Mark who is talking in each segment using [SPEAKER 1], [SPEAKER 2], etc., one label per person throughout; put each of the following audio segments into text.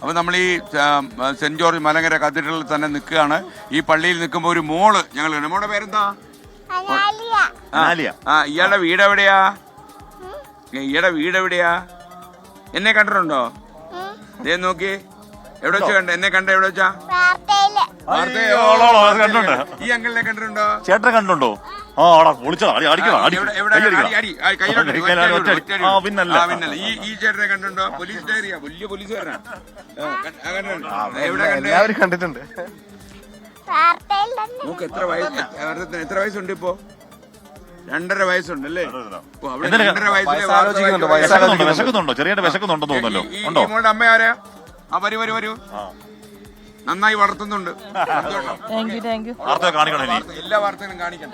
[SPEAKER 1] അപ്പോൾ നമ്മൾ ഈ സെന്റ് ജോർജ് മലങ്കര കത്തീഡ്രലിൽ തന്നെ നിൽക്കുകയാണ്. ഈ പള്ളിയിൽ നിൽക്കുമ്പോൾ ഒരു മോള് ഞങ്ങൾ മോളുടെ പേരെന്താ? ഇയാളുടെ വീട് എവിടെയാ? എന്നെ കണ്ടിട്ടുണ്ടോ? ദേ നോക്കി, എവിടെ വെച്ചാ കണ്ട? എന്നെ കണ്ട എവിടെ വെച്ചാ? ഈ അങ്കിളിനെ കണ്ടിട്ടുണ്ടോ?
[SPEAKER 2] ചേട്ടനെ കണ്ടിട്ടുണ്ടോ?
[SPEAKER 1] ഈ ചേട്ടനെ കണ്ടിട്ടുണ്ടോ? പോലീസ് ഡയറിയാ, വലിയ പോലീസുകാരനാ.
[SPEAKER 3] എല്ലാവരും കണ്ടിട്ടുണ്ട്.
[SPEAKER 1] നോക്ക് എത്ര വയസ്സുണ്ട് ഇപ്പോ? 2.5 വയസ്സുണ്ടല്ലേ?
[SPEAKER 2] വിശക്കുന്നുണ്ടോ? ചെറിയ വിശക്കുന്നുണ്ടോ തോന്നുന്നല്ലോ.
[SPEAKER 1] ഈ മോളുടെ അമ്മ ആരാ? വരൂ നന്നായി വളർത്തുന്നുണ്ട്. എല്ലാ വാർത്തകളും കാണിക്കണം.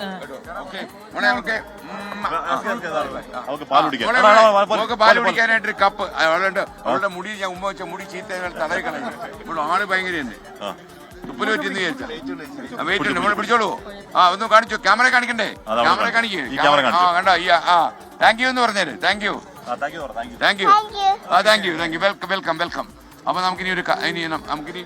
[SPEAKER 1] പാല് കുടിക്കാനായിട്ടൊരു കപ്പ് അവളുടെ മുടി, ഞാൻ ഉമ്മ വെച്ച മുടി ചീത്ത തലയിൽ കളഞ്ഞു. ഇപ്പോൾ ആള് ഭയങ്കര ഉപ്പിന് പറ്റിയെന്ന് വിചാരിച്ചാ. വെയിറ്റ് ഉണ്ട്, നമ്മൾ പിടിച്ചോളൂ. ഒന്ന് കാണിച്ചു. ക്യാമറ കാണിക്കണ്ടേ? ക്യാമറ കാണിക്കേ. കണ്ടോ? താങ്ക് യു എന്ന് പറഞ്ഞേര്. Thank you. വെൽക്കം. അപ്പൊ നമുക്കിനി നമുക്കിനി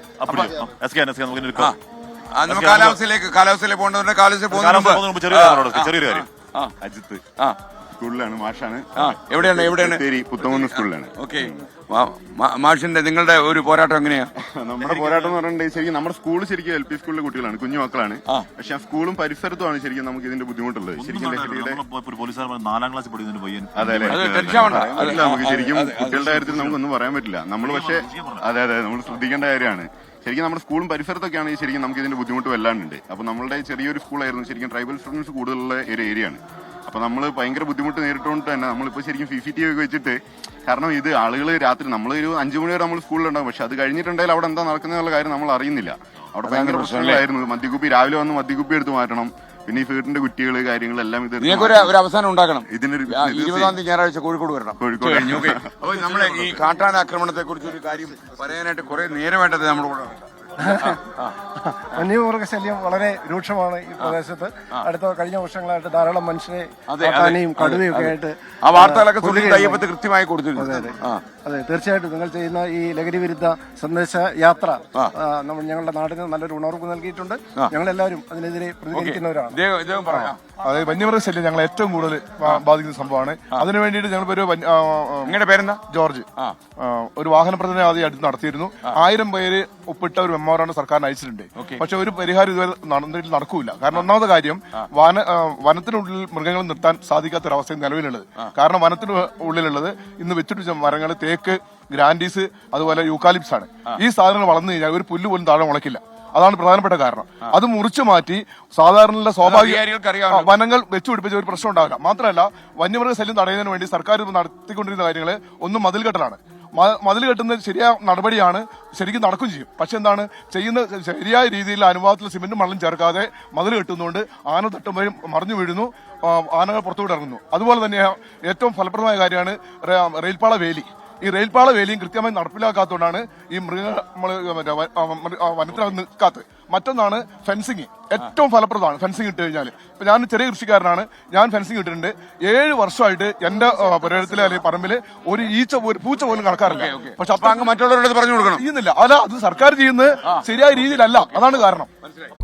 [SPEAKER 1] കാലാവസ്ഥയിലേക്ക് പോകേണ്ടതുണ്ട്.
[SPEAKER 2] ചെറിയൊരു കാര്യം.
[SPEAKER 4] അജിത്ത് സ്കൂളിലാണ്, മാഷാണ്.
[SPEAKER 1] എവിടെയാണ്?
[SPEAKER 4] പുത്തമൂന്ന് സ്കൂളിലാണ്.
[SPEAKER 1] ഓക്കെ. മാഷിന്റെ നിങ്ങളുടെ ഒരു പോരാട്ടം എങ്ങനെയാ?
[SPEAKER 4] നമ്മുടെ പോരാട്ടം എന്ന് പറഞ്ഞിട്ടുണ്ടെങ്കിൽ ശരിക്കും നമ്മുടെ സ്കൂൾ ശരിക്കും LP സ്കൂളിലെ കുട്ടികളാണ്, കുഞ്ഞു മക്കളാണ്. പക്ഷെ ആ സ്കൂളും പരിസരത്തുമാണ് ശരിക്കും നമുക്ക് ഇതിന്റെ ബുദ്ധിമുട്ടുള്ളത്. ശരിക്കും അതെ, നമുക്ക് ശരിക്കും കുട്ടികളുടെ കാര്യത്തിൽ നമുക്കൊന്നും പറയാൻ പറ്റില്ല. നമ്മൾ പക്ഷെ അതെ നമ്മൾ ശ്രദ്ധിക്കേണ്ട കാര്യമാണ്. ശരിക്കും നമ്മുടെ സ്കൂളും പരിസരത്തൊക്കെയാണെങ്കിൽ ശരിക്കും നമുക്ക് ഇതിന്റെ ബുദ്ധിമുട്ട് വല്ലാണ്ടുണ്ട്. അപ്പൊ നമ്മളുടെ ചെറിയൊരു സ്കൂളായിരുന്നു, ശരിക്കും ട്രൈബൽ സ്റ്റുഡൻസ് കൂടുതലുള്ള ഒരു ഏരിയയാണ്. അപ്പൊ നമ്മൾ ഭയങ്കര ബുദ്ധിമുട്ട് നേരിട്ടുകൊണ്ട് തന്നെ നമ്മളിപ്പോ ശരിക്കും CCTV ഒക്കെ വെച്ചിട്ട്, കാരണം ഇത് ആളുകൾ രാത്രി നമ്മളൊരു 5 മണി വരെ നമ്മൾ സ്കൂളിലുണ്ടാവും. പക്ഷെ അത് കഴിഞ്ഞിട്ടുണ്ടെങ്കിൽ അവിടെ എന്താ നടക്കുന്ന കാര്യം നമ്മൾ അറിയുന്നില്ല. അവിടെ ഭയങ്കര പ്രശ്നങ്ങളായിരുന്നു. മദ്യക്കുപ്പി രാവിലെ വന്ന് മദ്യക്കുപ്പി എടുത്ത് മാറ്റണം. പിന്നെ ഈ വീട്ടിന്റെ കുട്ടികള് കാര്യങ്ങളെല്ലാം ഇത്
[SPEAKER 1] ഒരു അവസാനം ഉണ്ടാക്കണം.
[SPEAKER 4] ഇതിനൊരു
[SPEAKER 1] 20-ാം തീയതി ഞായറാഴ്ച കോഴിക്കോട് വരണം. അപ്പൊ നമ്മളെ ഈ കാട്ടാന ആക്രമണത്തെ കുറിച്ച് ഒരു കാര്യം പറയാനായിട്ട് കുറെ നേരമായിട്ടത് നമ്മുടെ കൂടെ.
[SPEAKER 3] വന്യമൃഗശല്യം വളരെ രൂക്ഷമാണ് ഈ പ്രദേശത്ത്. കഴിഞ്ഞ വർഷങ്ങളായിട്ട് ധാരാളം മനുഷ്യരെ കാട്ടാനയും കടുവയും ഒക്കെ ആയിട്ട്
[SPEAKER 1] ആ വാർത്തകളൊക്കെ കൃത്യമായി കൊടുത്തിട്ടുണ്ട്.
[SPEAKER 3] അതെ, തീർച്ചയായിട്ടും നിങ്ങൾ ചെയ്യുന്ന ഈ ലഹരി വിരുദ്ധ സന്ദേശ യാത്ര ഞങ്ങളുടെ നാടിന് നല്ലൊരു ഉണർവ് നൽകിയിട്ടുണ്ട്. ഞങ്ങളെല്ലാവരും അതിനെതിരെ പ്രതികരിക്കുന്നവരാണ്.
[SPEAKER 5] അതെ, വന്യമൃഗശല്യം ഞങ്ങൾ ഏറ്റവും കൂടുതൽ ബാധിക്കുന്ന സംഭവമാണ്. അതിനു വേണ്ടിയിട്ട് ഞങ്ങളിപ്പോ
[SPEAKER 1] നിങ്ങളുടെ പേരെന്താ?
[SPEAKER 5] ജോർജ്. ഒരു വാഹന പ്രചരണം ആദ്യം അടുത്ത് നടത്തിയിരുന്നു. 1000 പേര് ഒപ്പിട്ട ഒരു മെമ്മോറാണ്ടം സർക്കാരിന് അയച്ചിട്ടുണ്ട്. പക്ഷെ ഒരു പരിഹാരം ഇതുവരെ നടക്കൂല. കാരണം ഒന്നാമത്തെ കാര്യം, വനത്തിനുള്ളിൽ മൃഗങ്ങൾ നിർത്താൻ സാധിക്കാത്തൊരവസ്ഥ നിലവിലുള്ളത്. കാരണം വനത്തിന് ഉള്ളിലുള്ളത് ഇന്ന് വെച്ചിട്ട് മരങ്ങൾ തേക്ക്, ഗ്രാൻഡീസ്, അതുപോലെ യൂക്കാലിപ്സ് ആണ്. ഈ സാധനങ്ങൾ വളർന്നു കഴിഞ്ഞാൽ ഒരു പുല്ല് പോലും താഴെ മുളയ്ക്കില്ല. അതാണ് പ്രധാനപ്പെട്ട കാരണം. അത് മുറിച്ചു മാറ്റി സാധാരണ സ്വാഭാവിക വനങ്ങൾ വെച്ചുപിടിപ്പിച്ച ഒരു പ്രശ്നം ഉണ്ടാവില്ല. മാത്രമല്ല, വന്യമൃഗ ശല്യം തടയുന്നതിന് വേണ്ടി സർക്കാർ നടത്തിക്കൊണ്ടിരുന്ന കാര്യങ്ങൾ ഒന്നും മതിൽ കെട്ടലാണ്. മതിൽ കെട്ടുന്ന ശരിയായ നടപടിയാണ്, ശരിക്കും നടക്കും ചെയ്യും. പക്ഷെ എന്താണ് ചെയ്യുന്ന, ശരിയായ രീതിയിൽ അനുവാദത്തിൽ സിമെന്റും മണലും ചേർക്കാതെ മതിൽ കെട്ടുന്നതുകൊണ്ട് ആന തട്ടുമ്പോഴും മറിഞ്ഞു വീഴുന്നു, ആനകൾ പുറത്തുകൂടെ ഇറങ്ങുന്നു. അതുപോലെ തന്നെ ഏറ്റവും ഫലപ്രദമായ കാര്യമാണ് റെയിൽപാള വേലി. ഈ റെയിൽപാള വേലിയും കൃത്യമായി നടപ്പിലാക്കാത്തതുകൊണ്ടാണ് ഈ വനത്തിനകത്ത് നിൽക്കാത്തത്. മറ്റൊന്നാണ് ഫെൻസിങ്. ഏറ്റവും ഫലപ്രദമാണ് ഫെൻസിങ് ഇട്ട് കഴിഞ്ഞാൽ. ഇപ്പൊ ഞാൻ ചെറിയ കൃഷിക്കാരനാണ്, ഞാൻ ഫെൻസിങ് ഇട്ടിട്ടുണ്ട്. 7 വർഷമായിട്ട് എന്റെ പുരയിടത്തിലെ അല്ലെങ്കിൽ പറമ്പില് ഒരു പൂച്ച പോലും കടക്കാറില്ല. പക്ഷെ അപ്പൊ അങ്ങ് മറ്റുള്ളവരുടെ പറഞ്ഞു കൊടുക്കണം ചെയ്യുന്നില്ല. അല്ല, അത് സർക്കാർ ചെയ്യുന്നത് ശരിയായ രീതിയിലല്ല. അതാണ് കാരണം.